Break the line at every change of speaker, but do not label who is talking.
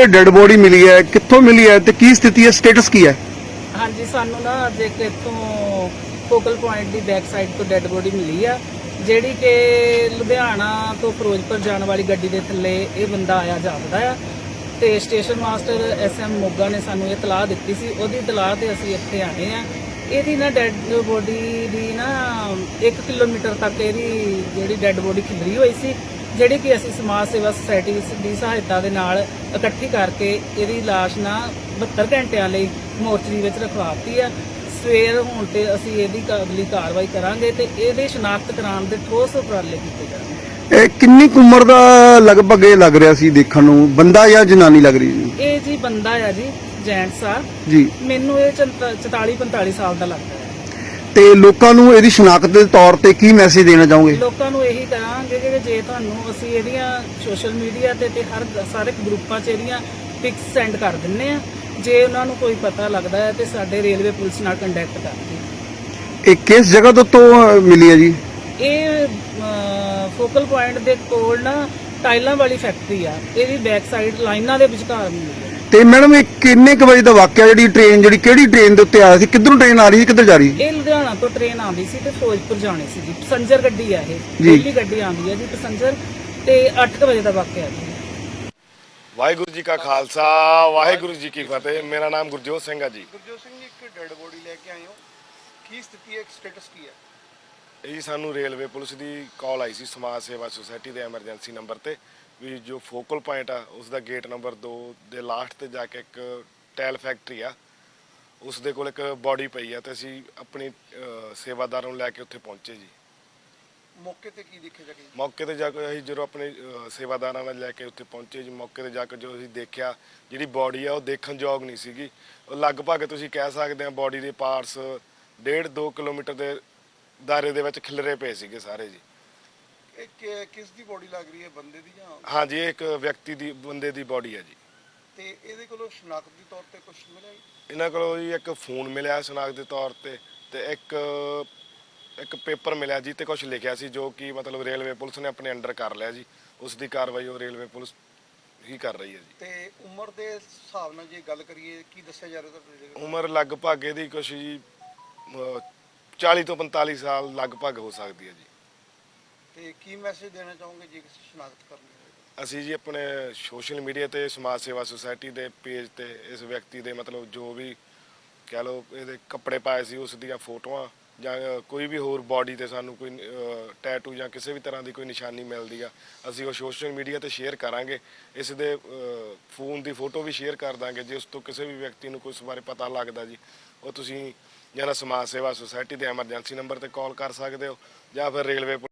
Dead body ਮਿਲੀ ਹੈ, ਕਿੱਥੋਂ ਮਿਲੀ ਹੈ ਤੇ ਕੀ ਸਥਿਤੀ ਹੈ, ਸਟੇਟਸ ਕੀ ਹੈ?
ਹਾਂਜੀ, ਸਾਨੂੰ ਨਾ ਅੱਜ ਇੱਕ ਇੱਥੋਂ ਫੋਕਲ ਪੁਆਇੰਟ ਦੀ ਬੈਕ ਸਾਈਡ ਤੋਂ ਡੈੱਡ ਬੋਡੀ ਮਿਲੀ ਆ, ਜਿਹੜੀ ਕਿ ਲੁਧਿਆਣਾ ਤੋਂ ਫਿਰੋਜ਼ਪੁਰ ਜਾਣ ਵਾਲੀ ਗੱਡੀ ਦੇ ਥੱਲੇ ਇਹ ਬੰਦਾ ਆਇਆ ਜਾਪਦਾ ਆ। ਤੇ ਸਟੇਸ਼ਨ ਮਾਸਟਰ SM ਮੋਗਾ ਨੇ ਸਾਨੂੰ ਇਹ ਇਤਲਾਹ ਦਿੱਤੀ ਸੀ, ਉਹਦੀ ਇਤਲਾਹ ਤੇ ਅਸੀਂ ਇੱਥੇ ਆਏ ਆ। ਇਹਦੀ ਨਾ ਡੈੱਡ ਬੋਡੀ ਦੀ ਨਾ 1 ਕਿਲੋਮੀਟਰ ਤੱਕ ਇਹਦੀ ਜਿਹੜੀ ਡੈੱਡ ਬੋਡੀ ਖਿਲਰੀ ਹੋਈ ਸੀ, ਜਿਹੜੀ ਕਿ ਅਸੀਂ ਸਮਾਜ ਸੇਵਾ ਸੁਸਾਇਟੀ ਦੀ ਸਹਾਇਤਾ ਦੇ ਨਾਲ ਇਕੱਠੀ ਕਰਕੇ ਇਹਦੀ ਲਾਸ਼ ਨਾ 72 ਘੰਟਿਆਂ ਲਈ ਮੋਰਚਰੀ ਵਿੱਚ ਰਖਵਾਤੀ ਆ। ਸਵੇਰ ਹੋਣ ਤੇ ਅਸੀਂ ਇਹਦੀ ਅਗਲੀ ਕਾਰਵਾਈ ਕਰਾਂਗੇ ਤੇ ਇਹਦੇ ਸ਼ਨਾਖਤ ਕਰਾਉਣ ਦੇ ਠੋਸ ਉਪਰਾਲੇ ਕੀਤੇ ਜਾਣਗੇ।
ਇਹ ਕਿੰਨੀ ਕੁ ਉਮਰ ਦਾ ਲਗਭਗ ਇਹ ਲੱਗ ਰਿਹਾ ਸੀ ਦੇਖਣ ਨੂੰ, ਬੰਦਾ ਜਾਂ ਜਨਾਨੀ ਲੱਗ ਰਹੀ ਸੀ?
ਇਹ ਜੀ ਬੰਦਾ ਆ ਜੀ, ਜੈਂਟਸ ਆ
ਜੀ।
ਮੈਨੂੰ ਇਹ 44-45 ਸਾਲ ਦਾ ਲੱਗਦਾ ਹੈ।
ਤੇ ਲੋਕਾਂ ਨੂੰ ਇਹਦੀ ਸ਼ਨਾਖਤ ਦੇ ਤੌਰ ਤੇ ਕੀ ਮੈਸੇਜ ਦੇਣਾ ਚਾਹੋਗੇ?
ਲੋਕਾਂ ਨੂੰ ਇਹੀ ਕਹਾਂਗੇ ਕਿ ਜੇ ਤੁਹਾਨੂੰ ਅਸੀਂ ਇਹਦੀਆਂ ਸੋਸ਼ਲ ਮੀਡੀਆ ਤੇ ਸਾਰੇ ਗਰੁੱਪਾਂ 'ਚ ਇਹਦੀਆਂ ਪਿਕਸ ਸੈਂਡ ਕਰ ਦਿੰਨੇ ਆ। ਜੇ ਉਹਨਾਂ ਨੂੰ ਕੋਈ ਪਤਾ ਲੱਗਦਾ ਹੈ ਤੇ ਸਾਡੇ ਰੇਲਵੇ ਪੁਲਿਸ ਨਾਲ ਕੰਟੈਕਟ ਕਰਦੇ।
ਇਹ ਕਿਸ ਜਗ੍ਹਾ ਤੋਂ ਮਿਲੀ ਹੈ ਜੀ?
ਇਹ ਫੋਕਲ ਪੁਆਇੰਟ ਦੇ ਕੋਲ ਨਾ ਟਾਈਲਾਂ ਵਾਲੀ ਫੈਕਟਰੀ ਆ, ਇਹਦੀ ਬੈਕ ਸਾਈਡ ਲਾਈਨਾਂ ਦੇ ਵਿਚਕਾਰ ਮਿਲੀ ਹੈ।
ਤੇ ਮੈਡਮ ਇਹ ਕਿੰਨੇ ਕੁ ਵਜੇ ਦਾ ਵਾਕਿਆ? ਜਿਹੜੀ ਕਿਹੜੀ ਟ੍ਰੇਨ ਦੇ ਉੱਤੇ ਆਇਆ ਸੀ, ਕਿੱਧਰੋਂ ਟ੍ਰੇਨ ਆ ਰਹੀ ਸੀ, ਕਿੱਧਰ ਜਾ ਰਹੀ ਸੀ?
ਇਹ ਲੁਧਿਆਣਾ ਤੋਂ ਟ੍ਰੇਨ ਆਉਂਦੀ ਸੀ ਤੇ ਫਿਰੋਜ਼ਪੁਰ ਜਾਣੀ ਸੀ ਜੀ। ਪੈਸੰਜਰ ਗੱਡੀ ਆ ਇਹ, ਪਹਿਲੀ ਗੱਡੀ ਆਉਂਦੀ ਹੈ ਜੀ ਪੈਸੰਜਰ। ਤੇ 8 ਵਜੇ ਦਾ ਵਾਕਿਆ ਜੀ।
ਵਾਹਿਗੁਰੂ ਜੀ ਕਾ ਖਾਲਸਾ, ਵਾਹਿਗੁਰੂ ਜੀ ਕੀ ਫਤਿਹ। ਮੇਰਾ ਨਾਮ ਗੁਰਜੋਤ ਸਿੰਘ ਆ ਜੀ।
ਗੁਰਜੋਤ ਸਿੰਘ ਜੀ, ਇੱਕ ਡੈਡ ਬੋਡੀ ਲੈ ਕੇ ਆਏ ਹੋ, ਕੀ ਸਥਿਤੀ ਹੈ, ਸਟੇਟਸ ਕੀ ਹੈ?
ਇਹ ਸਾਨੂੰ ਰੇਲਵੇ ਪੁਲਿਸ ਦੀ ਕਾਲ ਆਈ ਸੀ ਸਮਾਜ ਸੇਵਾ ਸੁਸਾਇਟੀ ਦੇ ਐਮਰਜੈਂਸੀ ਨੰਬਰ ਤੇ ਵੀ ਜੋ ਫੋਕਲ ਪੁਆਇੰਟ ਆ ਉਸ ਦਾ ਗੇਟ ਨੰਬਰ 2 ਦੇ ਲਾਸਟ ਤੇ ਜਾ ਕੇ ਇੱਕ ਟਾਇਲ ਫੈਕਟਰੀ ਆ, ਉਸ ਦੇ ਕੋਲ ਇੱਕ ਬੋਡੀ ਪਈ ਆ ਤੇ ਅਸੀਂ ਆਪਣੀ ਸੇਵਾਦਾਰਾਂ ਨੂੰ ਲੈ ਕੇ ਉੱਥੇ ਪਹੁੰਚੇ ਜੀ।
ਮੌਕੇ ਤੇ ਕੀ ਦੇਖਿਆ ਜਾ ਕੇ?
ਮੌਕੇ ਤੇ ਜਾ ਕੇ ਅਸੀਂ ਜਦੋਂ ਆਪਣੇ ਸੇਵਾਦਾਰਾਂ ਨਾਲ ਲੈ ਕੇ ਉੱਥੇ ਪਹੁੰਚੇ ਜੀ, ਮੌਕੇ ਤੇ ਜਾ ਕੇ ਜੋ ਅਸੀਂ ਦੇਖਿਆ ਜਿਹੜੀ ਬੋਡੀ ਆ ਉਹ ਦੇਖਣ ਯੋਗ ਨਹੀਂ ਸੀਗੀ। ਉਹ ਲਗਭਗ ਤੁਸੀਂ ਕਹਿ ਸਕਦੇ ਆ ਬੋਡੀ ਦੇ ਪਾਰਟਸ 1.5-2 ਕਿਲੋਮੀਟਰ ਦੇ ਦਾਇਰੇ ਦੇ ਵਿੱਚ ਖਿਲਰੇ ਪਏ ਸੀਗੇ ਸਾਰੇ ਜੀ।
ਇਹ ਕਿਸ ਦੀ ਬੋਡੀ ਲੱਗ ਰਹੀ ਹੈ, ਬੰਦੇ ਦੀ ਜਾਂ?
ਹਾਂਜੀ, ਇਹ ਇੱਕ ਵਿਅਕਤੀ ਦੀ, ਬੰਦੇ ਦੀ ਬੋਡੀ ਹੈ ਜੀ।
ਤੇ ਇਹਦੇ ਕੋਲੋਂ ਸ਼ਨਾਖਤ ਦੇ ਤੌਰ ਤੇ ਕੁਝ ਮਿਲਿਆ ਜੀ?
ਇਹਨਾਂ ਕੋਲੋਂ ਜੀ ਇੱਕ ਫੋਨ ਮਿਲਿਆ ਸ਼ਨਾਖਤ ਦੇ ਤੌਰ ਤੇ ਇੱਕ ਪੇਪਰ ਮਿਲਿਆ ਜੀ ਤੇ ਕੁਝ ਲਿਖਿਆ ਸੀ, ਜੋ ਕਿ ਮਤਲਬ ਰੇਲਵੇ ਪੁਲਿਸ ਨੇ ਆਪਣੇ ਅੰਡਰ ਕਰ ਲਿਆ ਜੀ। ਉਸ ਦੀ ਕਾਰਵਾਈ ਉਹ ਰੇਲਵੇ ਪੁਲਿਸ ਹੀ ਕਰ ਰਹੀ ਹੈ ਜੀ।
ਤੇ ਉਮਰ ਦੇ ਹਿਸਾਬ ਨਾਲ ਜੇ ਗੱਲ ਕਰੀਏ, ਕੀ ਦੱਸਿਆ ਜਾ ਰਿਹਾ ਤੁਹਾਡੇ?
ਉਮਰ ਲਗਭਗ ਇਹਦੀ ਕੁਛ ਜੀ 40 ਤੋਂ 45 ਸਾਲ ਲਗਭਗ ਹੋ ਸਕਦੀ ਹੈ ਜੀ।
ਤੇ ਕੀ ਮੈਸੇਜ ਦੇਣਾ ਚਾਹੋਗੇ ਜੇ ਕਿਸੇ ਸ਼ਨਾਖਤ ਕਰਨੀ ਹੋਵੇ?
ਅਸੀਂ ਜੀ ਆਪਣੇ ਸੋਸ਼ਲ ਮੀਡੀਆ ਤੇ ਸਮਾਜ ਸੇਵਾ ਸੁਸਾਇਟੀ ਦੇ ਪੇਜ ਤੇ ਇਸ ਵਿਅਕਤੀ ਦੇ ਮਤਲਬ ਜੋ ਵੀ ਕਹਿ ਲਓ ਇਹਦੇ ਕੱਪੜੇ ਪਾਏ ਸੀ ਉਸ ਦੀਆਂ ਫੋਟੋਆਂ ਜਾਂ ਕੋਈ ਵੀ ਹੋਰ ਬਾਡੀ ਤੇ ਸਾਨੂੰ ਕੋਈ ਟੈਟੂ ਜਾਂ ਕਿਸੇ ਵੀ ਤਰ੍ਹਾਂ ਦੀ ਕੋਈ ਨਿਸ਼ਾਨੀ ਮਿਲਦੀ ਆ, ਅਸੀਂ ਉਹ ਸੋਸ਼ਲ ਮੀਡੀਆ ਤੇ ਸ਼ੇਅਰ ਕਰਾਂਗੇ। ਇਸ ਦੇ ਫੋਨ ਦੀ ਫੋਟੋ ਵੀ ਸ਼ੇਅਰ ਕਰ ਦਾਂਗੇ। ਜੇ ਉਸ ਤੋਂ ਕਿਸੇ ਵੀ ਵਿਅਕਤੀ ਨੂੰ ਕੋਈ ਇਸ ਬਾਰੇ ਪਤਾ ਲੱਗਦਾ ਜੀ, ਉਹ ਤੁਸੀਂ ਜਾਂ ਸਮਾਜ ਸੇਵਾ ਸੁਸਾਇਟੀ ਦੇ ਐਮਰਜੈਂਸੀ ਨੰਬਰ ਤੇ ਕਾਲ ਕਰ ਸਕਦੇ ਹੋ ਜਾਂ ਫਿਰ ਰੇਲਵੇ